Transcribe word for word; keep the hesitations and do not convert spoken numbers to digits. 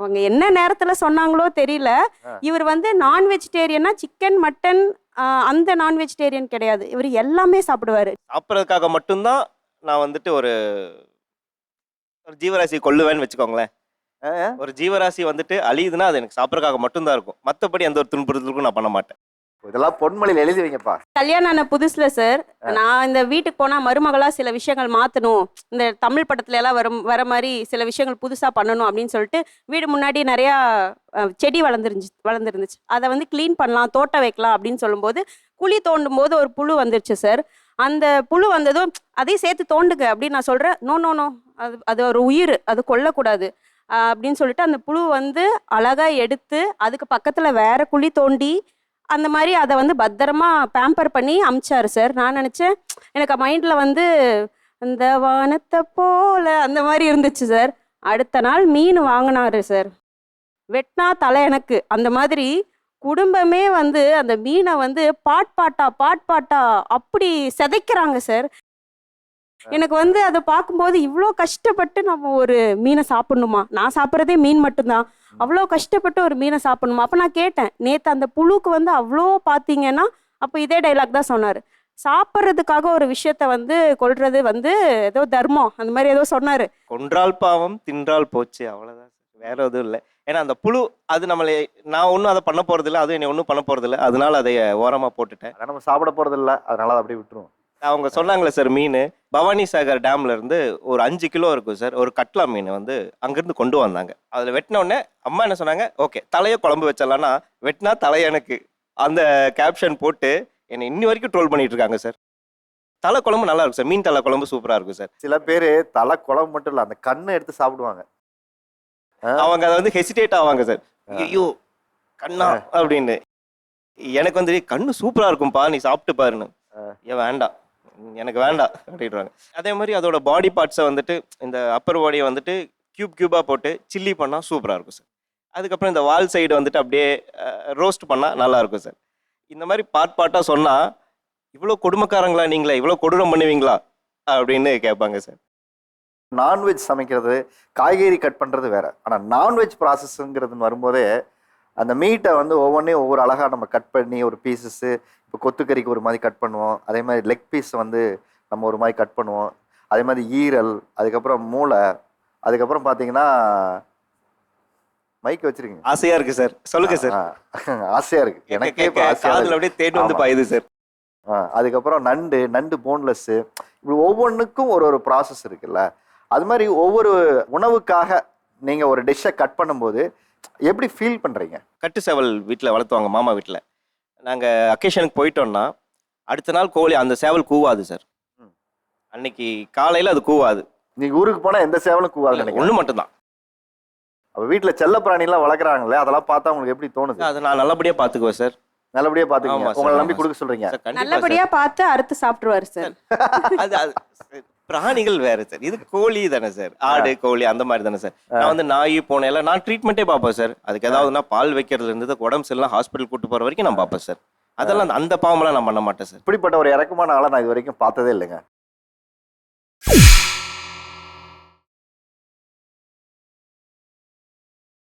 அவங்க என்ன நேரத்துல சொன்னாங்களோ தெரியல. இவர் வந்து நான் வெஜிடேரியனா, சிக்கன் மட்டன் அந்த நான் வெஜிடேரியன் கிடையாது. இவர் எல்லாமே சாப்பிடுவாரு. சாப்பிட்றதுக்காக மட்டும்தான் நான் வந்துட்டு ஒரு ஒரு ஜீவராசி கொல்லுவேன்னு வச்சுக்கோங்களேன். ஒரு ஜீவராசி வந்துட்டு அழியுதுன்னா அது எனக்கு சாப்பிட்றதுக்காக மட்டும்தான் இருக்கும். மற்றபடி எந்த ஒரு துன்புறுத்தலுக்கும் நான் பண்ண மாட்டேன். இதெல்லாம் பொன்மொழியில் எழுதி வைங்கப்பா. கல்யாணம் ஆன புதுசுல சார், நான் இந்த வீட்டுக்கு போனா மருமகளா சில விஷயங்கள் மாத்தணும், இந்த தமிழ் படத்துல எல்லாம் வரும் வர மாதிரி சில விஷயங்கள் புதுசா பண்ணணும் அப்படின்னு சொல்லிட்டு வீடு முன்னாடி நிறைய செடி வளர்ந்துருந்துச்சு வளர்ந்துருந்துச்சு அதை வந்து கிளீன் பண்ணலாம், தோட்டம் வைக்கலாம் அப்படின்னு சொல்லும்போது குழி தோண்டும் போது ஒரு புழு வந்துருச்சு சார். அந்த புழு வந்ததும் அதையும் சேர்த்து தோண்டுங்க அப்படின்னு நான் சொல்றேன். நோ நோ நோ அது அது ஒரு உயிர், அது கொல்லக்கூடாது அப்படின்னு சொல்லிட்டு அந்த புழு வந்து அழகா எடுத்து அதுக்கு பக்கத்துல வேற குழி தோண்டி அந்த மாதிரி அதை வந்து பத்திரமா பேம்பர் பண்ணி அமிச்சாரு சார். நான் நினச்சேன், எனக்கு மைண்டில் வந்து அந்த வானத்தை போல அந்த மாதிரி இருந்துச்சு சார். அடுத்த நாள் மீன் வாங்கினாரு சார். வெட்டினா தலை எனக்கு. அந்த மாதிரி குடும்பமே வந்து அந்த மீனை வந்து பாட் பாட்டா பாட் பாட்டா அப்படி சிதைக்கிறாங்க சார். எனக்கு வந்து அதை பார்க்கும்போது இவ்வளோ கஷ்டப்பட்டு நம்ம ஒரு மீனை சாப்பிடணுமா? நான் சாப்பிட்றதே மீன் மட்டும்தான். அவ்வளோ கஷ்டப்பட்டு ஒரு மீனை சாப்பிடணுமா? அப்போ நான் கேட்டேன், நேற்று அந்த புழுக்கு வந்து அவ்வளோ பார்த்தீங்கன்னா அப்போ இதே டைலாக் தான் சொன்னார். சாப்பிட்றதுக்காக ஒரு விஷயத்த வந்து கொல்றது வந்து ஏதோ தர்மம் அந்த மாதிரி ஏதோ சொன்னார். கொன்றால் பாவம் தின்றால் போச்சு, அவ்வளோதான். வேற எதுவும் இல்லை. ஏன்னா அந்த புழு அது நம்மளை நான் ஒன்றும் அதை பண்ண போகிறதில்ல, அதுவும் என்னை ஒன்றும் பண்ண போகிறதில்ல. அதனால அதை ஓரமாக போட்டுட்டேன். அதை நம்ம சாப்பிட போகிறதில்ல, அதனால அதை அப்படியே விட்டுருவோம். அவங்க சொன்னாங்களே சார், மீன் பவானி சாகர் டேம்ல இருந்து ஒரு அஞ்சு கிலோ இருக்கும் சார். ஒரு கட்லா மீன் வந்து அங்கிருந்து கொண்டு வந்தாங்க. அதில் வெட்டின உடனே அம்மா என்ன சொன்னாங்க, ஓகே தலையை குழம்பு வச்சிடலான்னா வெட்டினா தலை எனக்கு அந்த கேப்ஷன் போட்டு என்னை இன்னி வரைக்கும் ட்ரோல் பண்ணிட்டு இருக்காங்க சார். தலை குழம்பு நல்லா இருக்கும் சார், மீன் தலை குழம்பு சூப்பராக இருக்கும் சார். சில பேர் தலை குழம்பு மட்டும் இல்லை, அந்த கண்ணை எடுத்து சாப்பிடுவாங்க. அவங்க அதை வந்து ஹெசிடேட் ஆவாங்க சார். ஐயோ கண்ணா அப்படின்னு. எனக்கு வந்து கண்ணு சூப்பராக இருக்கும்பா, நீ சாப்பிட்டு பாருன்னு. ஏன் வேண்டாம், எனக்கு வேண்டாம் அப்படின்றாங்க. அதே மாதிரி அதோட பாடி பார்ட்ஸை வந்துட்டு இந்த அப்பர் பாடியை வந்துட்டு கியூப் கியூபாக போட்டு சில்லி பண்ணால் சூப்பராக இருக்கும் சார். அதுக்கப்புறம் இந்த வால் சைடு வந்துட்டு அப்படியே ரோஸ்ட் பண்ணால் நல்லாயிருக்கும் சார். இந்த மாதிரி பார்ட் பார்ட்டாக சொன்னால் இவ்வளோ கொடுமைக்காரங்களா நீங்களே, இவ்வளோ கொடூரம் பண்ணுவீங்களா அப்படின்னு கேட்பாங்க சார். நான்வெஜ் சமைக்கிறது, காய்கறி கட் பண்ணுறது வேற. ஆனால் நான்வெஜ் ப்ராசஸ்ங்கிறதுன்னு வரும்போதே அந்த மீட்டை வந்து ஒவ்வொன்றையும் ஒவ்வொரு அழகாக நம்ம கட் பண்ணி ஒரு பீசஸ்ஸு, இப்போ கொத்துக்கறிக்கு ஒரு மாதிரி கட் பண்ணுவோம், அதே மாதிரி லெக் பீஸ் வந்து நம்ம ஒரு மாதிரி கட் பண்ணுவோம், அதே மாதிரி ஈரல், அதுக்கப்புறம் மூளை, அதுக்கப்புறம் பார்த்தீங்கன்னா மைக் வச்சிருக்கீங்க. ஆசையா இருக்கு சார், சொல்லுங்க சார். ஆசையா இருக்கு எனக்கே, அப்படியே தேடி வந்து பாயுது சார். அதுக்கப்புறம் நண்டு நண்டு போன்லெஸ்ஸு, இப்படி ஒவ்வொன்றுக்கும் ஒரு ஒரு ப்ராசஸ் இருக்குல்ல. அது மாதிரி ஒவ்வொரு உணவுக்காக நீங்கள் ஒரு டிஷ்ஷை கட் பண்ணும்போது எப்படி ஃபீல் பண்ணுறீங்க? கட்டு சேவல் வீட்டில் வளர்த்துவாங்க மாமா வீட்டில். நாங்கள் அக்கேஷனுக்கு போயிட்டோம்னா அடுத்த நாள் கோழி அந்த சேவல் கூவாது சார். அன்னைக்கு காலையில் அது கூவாது. நீங்கள் ஊருக்கு போனால் எந்த சேவலும் கூவாது, ஒன்று மட்டும்தான். அப்போ வீட்டில் செல்ல பிராணிலாம் வளர்க்குறாங்களே, அதெல்லாம் பார்த்தா உங்களுக்கு எப்படி தோணுது? அது நான் நல்லபடியாக பார்த்துக்குவேன் சார். நல்லபடியாக பார்த்துக்குங்க, உங்களை நம்பி கொடுக்க சொல்கிறீங்க. நல்லபடியாக பார்த்து அறுத்து சாப்பிடுவாரு சார். அது பிராணிகள் வேற சார், இது கோழி தானே சார், ஆடு கோழி அந்த மாதிரி தானே சார். நான் வந்து நாய் போன எல்லாம் நான் ட்ரீட்மெண்ட்டே பார்ப்பேன் சார். அதுக்கு ஏதாவதுனா பால் வைக்கிறதுல இருந்து உடம்பு சரியில்லாம் ஹாஸ்பிட்டல் கூட்டு போற வரைக்கும் நான் பார்ப்பேன் சார். அதெல்லாம் அந்த பாவமெல்லாம் நான் பண்ண மாட்டேன் சார். இப்படிப்பட்ட ஒரு இறக்கமான ஆளை நான் இது வரைக்கும் பார்த்ததே இல்லைங்க.